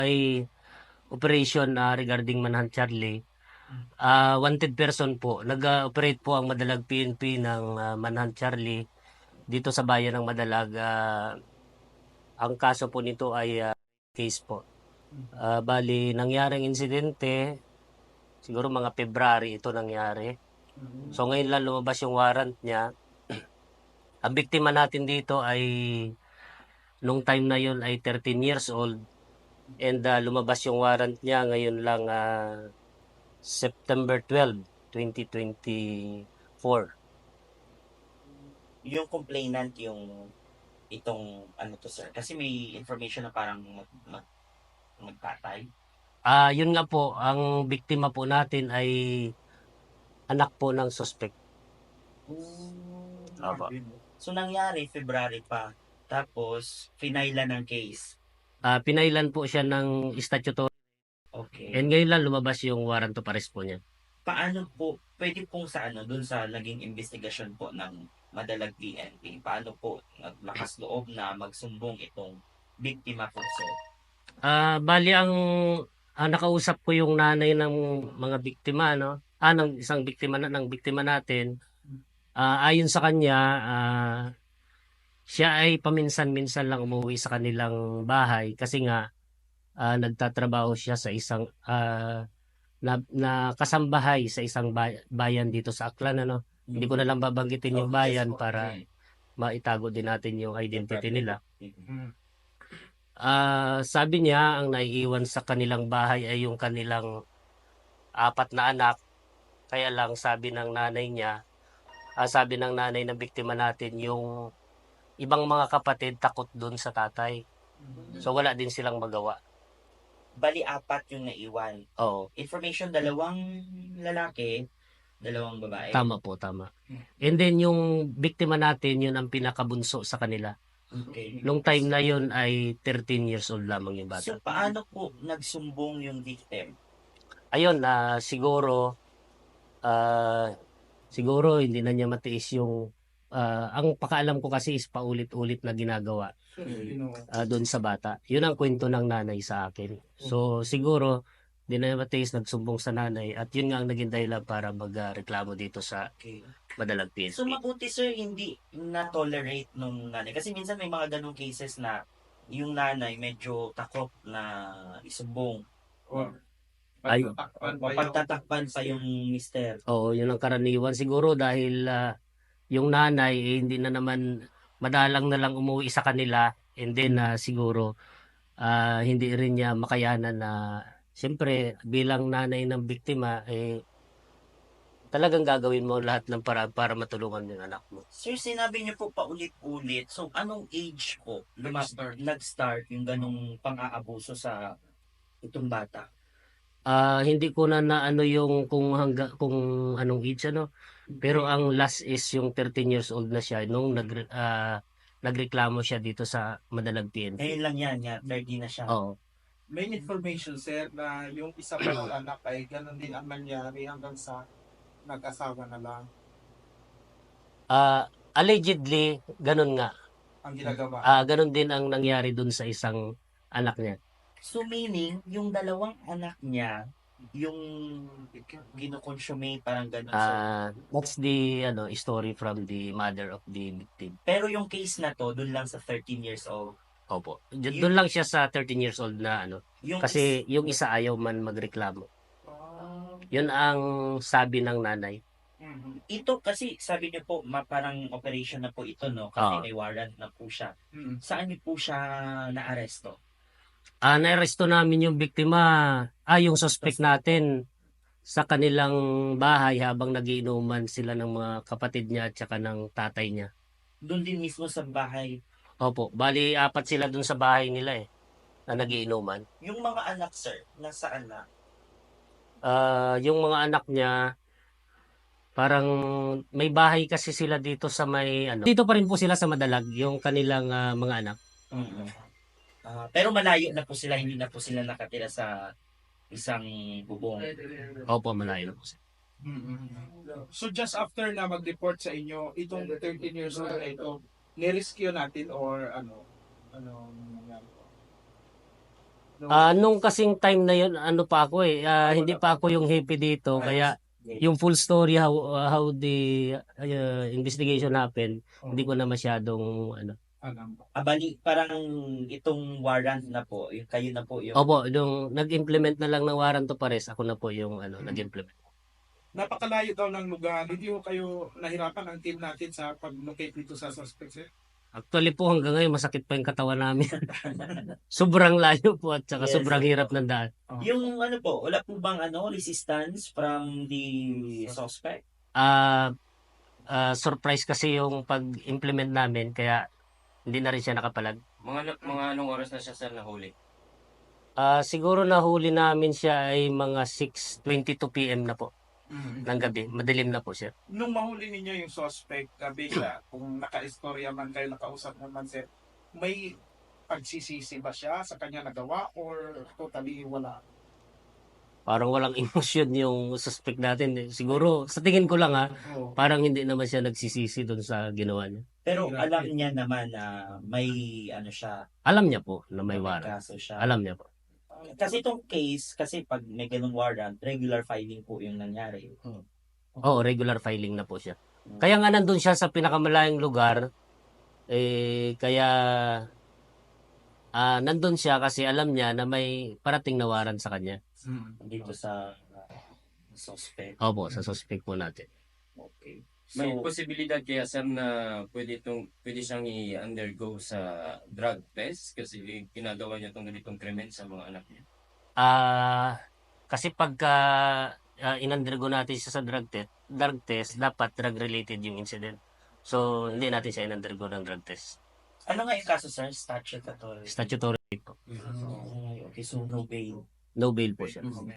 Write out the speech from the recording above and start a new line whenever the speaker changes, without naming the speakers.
May operation regarding Manhunt Charlie. Wanted person po. Nag-operate po ang Madalag PNP ng Manhunt Charlie dito sa bayan ng Madalag. Ang kaso po nito ay case po. Bali, nangyaring insidente, siguro mga February ito nangyari. So ngayon lang lumabas yung warrant niya. Ang biktima natin dito ay nung time na yun ay 13 years old. And lumabas yung warrant niya ngayon lang September 12, 2024.
Yung complainant yung itong ano to sir, kasi may information na parang magpatay.
Yun nga po, ang biktima po natin ay anak po ng suspect. Opo.
So nangyari February pa, tapos finailan ng case.
Pinailan po siya ng statutory
Okay.
and ngayon lang lumabas yung warrant of arrest po niya.
Paano po, pwede pong sa ano, dun sa naging investigasyon po ng Madalag PNP, paano po naglakas loob na magsumbong itong biktima po sir?
Bali ang nakausap ko yung nanay ng mga biktima, no? Ng isang biktima ng biktima natin. Ayon sa kanya, siya ay paminsan-minsan lang umuwi sa kanilang bahay kasi nga nagtatrabaho siya sa isang na kasambahay sa isang bayan dito sa Aklan, ano. Hindi ko na lang babanggitin yung bayan para maitago din natin yung identity nila. Sabi niya ang naiiwan sa kanilang bahay ay yung kanilang 4 na anak. Kaya lang sabi ng nanay niya, sabi ng nanay ng biktima natin, yung ibang mga kapatid takot dun sa tatay. So wala din silang magawa.
Bali 4 yung naiwan.
Oo,
Information, 2 lalaki, 2 babae.
tama po, tama. And then yung biktima natin, yun ang pinakabunso sa kanila.
Okay.
Nung time na yun ay 13 years old lamang yung bata.
So paano po nagsumbong yung victim?
Ayun, siguro hindi na niya matiis yung ang pakaalam ko kasi is paulit-ulit na ginagawa doon sa bata. Yun ang kwento ng nanay sa akin. So siguro hindi na niya matiis, nagsumbong sa nanay at yun nga ang naging dahilan para magreklamo dito sa
Okay.
Madalag PNP.
So mabuti sir hindi na-tolerate nung nanay. Kasi minsan may mga ganong cases na yung nanay medyo takot na isumbong.
Ay,
Pagtatakpan pa yung mister.
oo, yun ang karaniwan siguro dahil yung nanay hindi na naman madalang na lang umuwi sa kanila, and then siguro hindi rin niya makayanan na siyempre bilang nanay ng biktima talagang gagawin mo lahat ng paraan para matulungan yung anak mo.
Sir, sinabi niyo po paulit-ulit. So, anong age po nag-start yung ganong pang-aabuso sa itong bata?
Hindi ko na ano yung kung anong age, ano, pero ang last is yung 13 years old na siya nung nagreklamo siya dito sa Madalag PNP.
Ngayon lang yan, 30 na siya.
Oo.
May information sir na yung isa pang anak ay ganun din ang nangyari hanggang sa nag-asawa na lang
Allegedly, ganun nga.
ang ginagawa.
Ganun din ang nangyari dun sa isang anak niya.
So, meaning, yung 2 anak niya, yung ginukonsume, parang gano'n.
That's the story from the mother of the victim.
Pero yung case na to, dun lang sa 13 years old.
Opo. Doon lang siya sa 13 years old na
Yung
kasi yung isa ayaw man magreklamo. Yun ang sabi ng nanay.
Ito kasi sabi niyo po parang operation na po ito no kasi
Oo.
may warrant na po siya. Saan niyo po siya naaresto?
Naaresto namin yung biktima, yung suspect natin sa kanilang bahay habang nagiinuman sila ng mga kapatid niya at saka ng tatay niya.
Doon din mismo sa bahay.
Opo, bali 4 sila dun sa bahay nila na nagiinuman.
Yung mga anak sir, nasaan na?
Yung mga anak niya, parang may bahay kasi sila dito sa may dito pa rin po sila sa Madalag, yung kanilang mga anak.
Pero malayo na po sila, hindi na po sila nakatira sa isang bubong.
Opo, malayo na po sila.
So just after na mag-report sa inyo, itong 13 years old na ito, nirescue natin or ano nangyari po?
Nung kasing time na yun, ano pa ako hindi pa ako yung happy dito, kaya yung full story how the investigation happened, hindi ko na masyadong ano.
Alam.
Bali, parang itong warrant na po, yung kayo na po yung
Opo, nung nag-implement na lang ng warrant to pares, ako na po yung nag-implement.
Napakalayo daw ng lugar. Hindi ko kayo nahirapan ang team natin sa pag-locate dito sa suspect, sir?
Actually po hanggang ngayon masakit pa yung katawan namin. Sobrang layo po at saka
Yes,
sobrang hirap ng daan.
yung ano po, wala po bang resistance from the suspect?
Surprise kasi yung pag-implement namin kaya hindi na rin siya nakapalag.
Mga anong oras na siya sir nahuli?
Siguro nahuli namin siya ay mga 6:22 PM na po ng gabi. Madilim na po siya.
Nung mahuli ninyo yung suspect, Bella, kung naka-istorya man kayo, nakausap naman, sir, may pagsisisi ba siya sa kanya nagawa or totally wala?
Parang walang emosyon yung suspect natin. Siguro sa tingin ko lang
Oo.
parang hindi naman siya nagsisisi doon sa ginawa niya.
Pero
Grabe.
alam niya naman na may siya,
Alam niya po na may
may
warrant.
kaso siya.
Alam niya po.
Kasi itong case, kasi pag may ganung warrant, regular filing po yung nangyari.
Oo, regular filing na po siya. Kaya nga nandun siya sa pinakamalayong lugar, kaya nandun siya kasi alam niya na may parating na warrant sa kanya.
Dito sa suspect.
Opo, sa suspect po natin.
Okay.
May
So,
posibilidad kaya sir na pwede siyang i-undergo sa drug test kasi ginagawa niya itong ganitong krimen sa mga anak niya.
Kasi pagka in-undergo natin siya sa drug test, dapat drug-related yung incident. So, hindi natin siya in-undergo ng drug test.
ano nga yung kaso, sir? Statutory.
Statutory po.
Okay, so no bail.
No bail po siya.